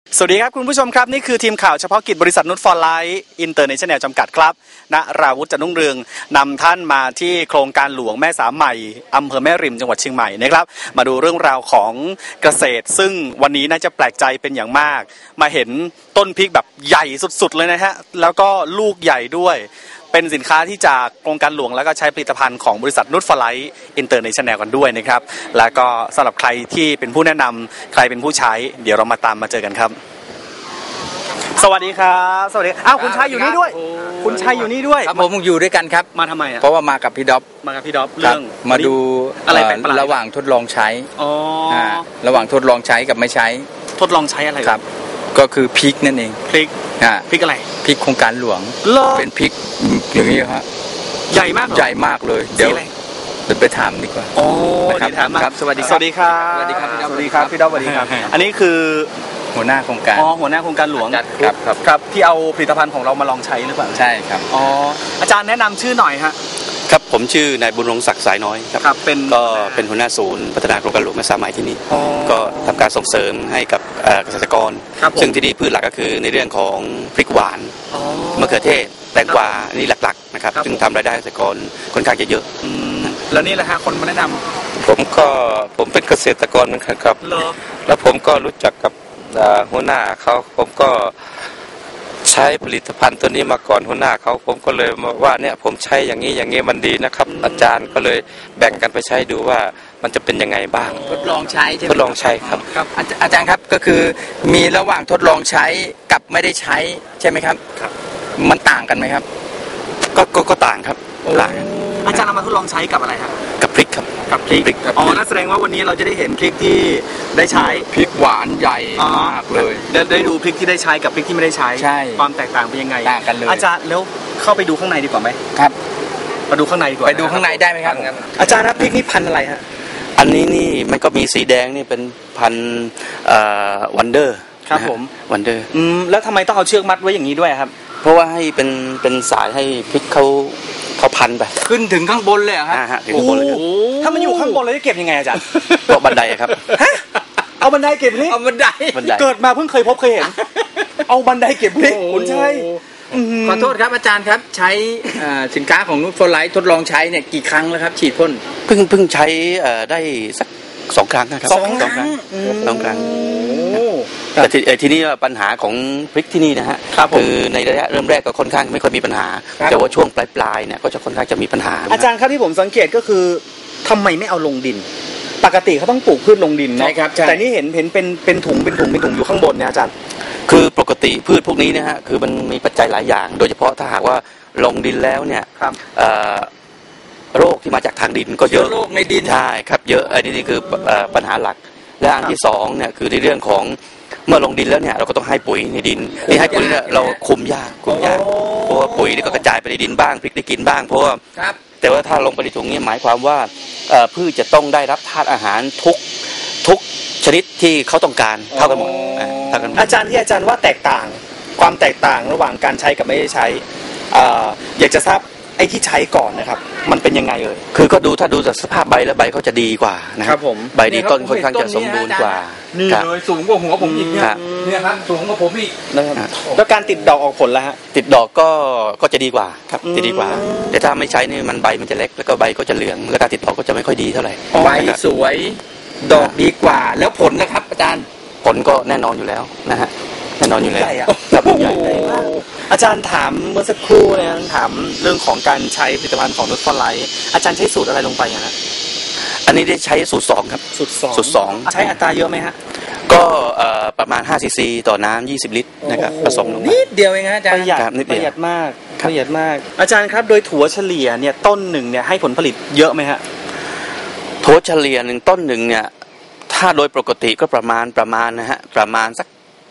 สวัสดีครับคุณผู้ชมครับนี่คือทีมข่าวเฉพาะกิจบริษัทนุชฟอร์ไลท์อินเตอร์เนชั่นแนลจำกัดครับณราวุฒิ จันทร์รุ่งเรืองนำท่านมาที่โครงการหลวงแม่สามใหม่อำเภอแม่ริมจังหวัดเชียงใหม่นะครับมาดูเรื่องราวของเกษตรซึ่งวันนี้น่าจะแปลกใจเป็นอย่างมากมาเห็นต้นพริกแบบใหญ่สุดๆเลยนะฮะแล้วก็ลูกใหญ่ด้วยเป็นสินค้าที่จากโครงการหลวงแล้วก็ใช้ผลิตภัณฑ์ของบริษัทนุชฟอร์ไลท์อินเตอร์เนชั่นแนลกันด้วยนะครับแล้วก็สำหรับใครที่เป็นผู้แนะนำใครเป็นผู้ใช้เดี๋ยวเรามาตามมาเจอกันครับสวัสดีครับสวัสดีอ้าวคุณชายอยู่นี่ด้วยคุณชายอยู่นี่ด้วยครับผมอยู่ด้วยกันครับมาทำไมอ่ะเพราะว่ามากับพี่ด็อบเรื่องมาดูอะไรแปลกประหลาดระหว่างทดลองใช้อ๋อระหว่างทดลองใช้กับไม่ใช้ทดลองใช้อะไรครับก็คือพริกนั่นเองพริกอะไรพริกโครงการหลวงเป็นพริกอย่างนี้ฮะใหญ่มากเลยเดี๋ยวไปถามดีกว่าโอ้ครับสวัสดีครับสวัสดีครับพี่ด็อบสวัสดีครับอันนี้คือหัวหน้าโครงการหัวหน้าโครงการหลวงครับที่เอาผลิตภัณฑ์ของเรามาลองใช้หรือเปล่าใช่ครับอาจารย์แนะนำชื่อหน่อยฮะครับผมชื่อนายบุญรงศักดิ์สายน้อยครับเป็นหัวหน้าศูนย์พัฒนาโครงการหลวงแม่สามใหม่ที่นี่ก็ทำการส่งเสริมให้กับเกษตรกรซึ่งที่นี่พืชหลักก็คือในเรื่องของพริกหวานมะเขือเทศแตงกวานี่หลักๆนะครับซึ่งทำรายได้เกษตรกรค่อนข้างจะเยอะแล้วนี่แหละฮะคนมาแนะนำผมเป็นเกษตรกรเหมือนกันครับแล้วผมก็รู้จักกับหัวหน้าเขาผมก็ใช้ผลิตภัณฑ์ตัวนี้มาก่อนหัวหน้าเขาผมก็เลยว่าเนี่ยผมใช้อย่างนี้มันดีนะครับอาจารย์ก็เลยแบ่งกันไปใช้ดูว่ามันจะเป็นยังไงบ้างทดลองใช้ใช่ไหมทดลองใช้ครับอาจารย์ครับก็คือมีระหว่างทดลองใช้กับไม่ได้ใช้ใช่ไหมครับครับมันต่างกันไหมครับก็ต่างครับต่างอาจารย์เอามาทดลองใช้กับอะไรครับกับพริกครับกับพริกนั่นแสดงว่าวันนี้เราจะได้เห็นพริกที่ได้ใช้พริกหวานใหญ่มากเลยได้ดูพริกที่ได้ใช้กับพริกที่ไม่ได้ใช้ความแตกต่างเป็นยังไงต่างกันเลยอาจารย์แล้วเข้าไปดูข้างในดีกว่าไหมครับมาดูข้างในดีกว่าไปดูข้างในได้ไหมครับอาจารย์ครับพริกนี่พันธุ์อะไรฮะอันนี้นี่มันก็มีสีแดงนี่เป็นพันธุ์วันเดอร์ครับผมวันเดอร์แล้วทำไมต้องเอาเชือกมัดไว้อย่างนี้ด้วยครับเพราะว่าให้เป็นสายให้พริกเขาพันไปขึ้นถึงข้างบนเลยครับถึงข้างบนเลยถ้ามันอยู่ข้างบนเลยจะเก็บยังไงอาจารย์ก็บันไดครับเอาบันไดเก็บพริกเอาบันไดเกิดมาเพิ่งเคยเห็นเอาบันไดเก็บพริกคุณใช่ขอโทษครับอาจารย์ครับใช้สินค้าของนุชฟอร์ไลท์ทดลองใช้เนี่ยกี่ครั้งแล้วครับฉีดพ่นเพิ่งใช้ได้สัก2 ครั้งนะครับ2 ครั้งแต่ทีนี้ปัญหาของพริกที่นี่นะฮะคือในระยะเริ่มแรกก็ค่อนข้างไม่ค่อยมีปัญหาแต่ว่าช่วงปลายเนี่ยก็จะค่อนข้างจะมีปัญหาอาจารย์ครับที่ผมสังเกตก็คือทำไมไม่เอาลงดินปกติเขาต้องปลูกพืชลงดินเนาะแต่นี่เห็นเป็นถุงอยู่ข้างบนเนี่ยอาจารย์คือปกติพืชพวกนี้นะฮะคือมันมีปัจจัยหลายอย่างโดยเฉพาะถ้าหากว่าลงดินแล้วเนี่ยโรคที่มาจากทางดินก็เยอะโรคในดินใช่ครับเยอะอันนี้คือปัญหาหลักและอันที่2เนี่ยคือในเรื่องของเมื่อลงดินแล้วเนี่ยเราก็ต้องให้ปุ๋ยในดินที่ให้ปุ๋ยเนี่ยเราคุมยากเพราะว่าปุ๋ยนี่ก็กระจายไปในดินบ้างพริกได้กินบ้างเพราะว่าแต่ว่าถ้าลงไปในถุงนี้หมายความว่าพืชจะต้องได้รับธาตุอาหารทุกชนิดที่เขาต้องการเท่ากันหมดอาจารย์ที่อาจารย์ว่าความแตกต่างระหว่างการใช้กับไม่ได้ใช้อยากจะทราบไอ้ที่ใช้ก่อนนะครับมันเป็นยังไงคือก็ถ้าดูจากสภาพใบแล้วใบเขาจะดีกว่านะครับผมใบดีต้นค่อนข้างจะสมบูรณ์กว่านี่เลยสูงกว่าหัวผมอีกเนี่ยครับสูงกว่าผมอีกนะครับแล้วการติดดอกออกผลแล้วฮะติดดอกก็จะดีกว่าครับจะดีกว่าแต่ถ้าไม่ใช้นี่มันใบมันจะเล็กแล้วก็ใบก็จะเหลืองแล้วการติดดอกก็จะไม่ค่อยดีเท่าไหร่ใบสวยดอกดีกว่าแล้วผลนะครับอาจารย์ผลก็แน่นอนอยู่แล้วนะฮะแน่นอนอยู่แล้วครับใหญ่อาจารย์ถามเมื่อสักครู่เนี่ยถามเรื่องของการใช้ผลิตภัณฑ์ของนุชฟอร์ไลท์อาจารย์ใช้สูตรอะไรลงไปฮะอันนี้ได้ใช้สูตร2ครับสูตร2ใช้อัตราเยอะไหมฮะก็ประมาณ5 ซีซีต่อน้ำ20 ลิตรนะครับผสมลงนิดเดียวเองนะอาจารย์ประหยัดมากอาจารย์ครับโดยถั่วเฉลี่ยเนี่ยต้นหนึ่งเนี่ยให้ผลผลิตเยอะไหมฮะถั่วเฉลี่ย1ต้นหนึ่งเนี่ยถ้าโดยปกติก็ประมาณนะฮะประมาณสัก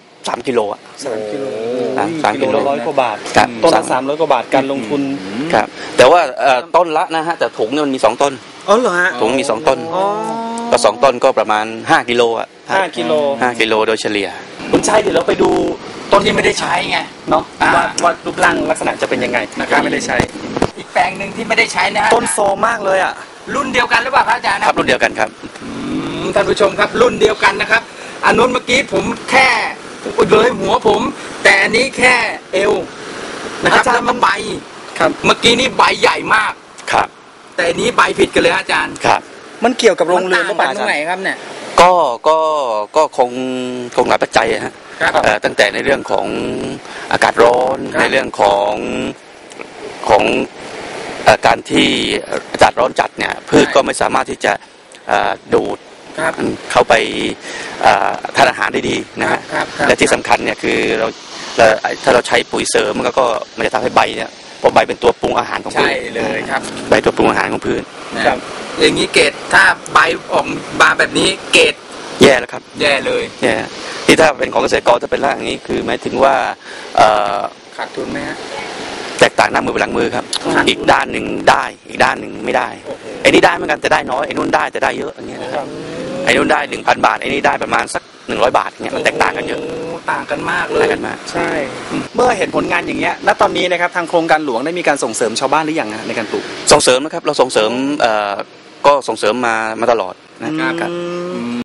3 กิโลอ่ะ 3 กิโล 3 กิโล 100 กว่าบาทต้นละ300 กว่าบาทการลงทุนครับแต่ว่าต้นละนะฮะแต่ถุงเนี่ยมันมี2 ต้นเหรอฮะถุงมี2 ต้นก็2 ต้นก็ประมาณ5 กิโลอ่ะ 5 กิโลโดยเฉลี่ยคุณชัยเดี๋ยวเราไปดูต้นที่ไม่ได้ใช้ไงเนาะว่ารูปร่างลักษณะจะเป็นยังไงนะครับไม่ได้ใช้อีกแปลงนึงที่ไม่ได้ใช้นะต้นโซมากเลยอ่ะรุ่นเดียวกันหรือเปล่าครับอาจารย์ครับรุ่นเดียวกันครับท่านผู้ชมครับรุ่นเดียวกันนะครับอันนู้นเมื่อกี้ผมแค่เลยหัวผม แต่อันนี้แค่เอวนะครับแล้วมันใบครับเมื่อกี้นี่ใบใหญ่มากครับแต่อันนี้ใบผิดกันเลยอาจารย์ครับมันเกี่ยวกับโรงเรือนหมัรือเปล่าต่างกันตรงไหนครับเนี่ยก็คงหลายปัจจัยฮะครับตั้งแต่ในเรื่องของอากาศร้อนครับในเรื่องของการที่อากาศร้อนจัดเนี่ยพืชก็ไม่สามารถที่จะดูดครับเข้าไปทานอาหารได้ดีนะฮะครับและที่สำคัญเนี่ยคือถ้าเราใช้ปุ๋ยเสริมมันก็มันจะทำให้ใบเนี่ยเพราะใบเป็นตัวปรุงอาหารของพืใช่ชเลยครับใบตัวปรุงอาหารของพืชนะครับ อย่างนี้เกรดถ้าใบออกมาแบบนี้เกรดแย่แล้วครับแย่เลยแย่ที่ถ้าเป็นของเกษตรกรจะเป็นร่างอย่างนี้คือหมายถึงว่าขาดทุนไหมฮะแตกต่างหน้ามือเป็นหลังมือครับครับอีกด้านหนึ่งได้อีกด้านหนึ่งไม่ได้ไอ้นี่ได้เหมือนกันแต่ได้น้อยไอ้นู่นได้แต่ได้เยอะอย่างเงี้ยนะครับไอ้นู่นได้ 1,000 บาทไอ้นี่ได้ประมาณสัก100 บาทเนี่ยมันแตกต่างกันเยอะต่างกันมากเลยต่างกันมากใช่ เมื่อเห็นผลงานอย่างเงี้ยณตอนนี้นะครับทางโครงการหลวงได้มีการส่งเสริมชาวบ้านหรือยังฮะในการปลูกส่งเสริมนะครับเราส่งเสริมก็ส่งเสริมมาตลอดนะครับ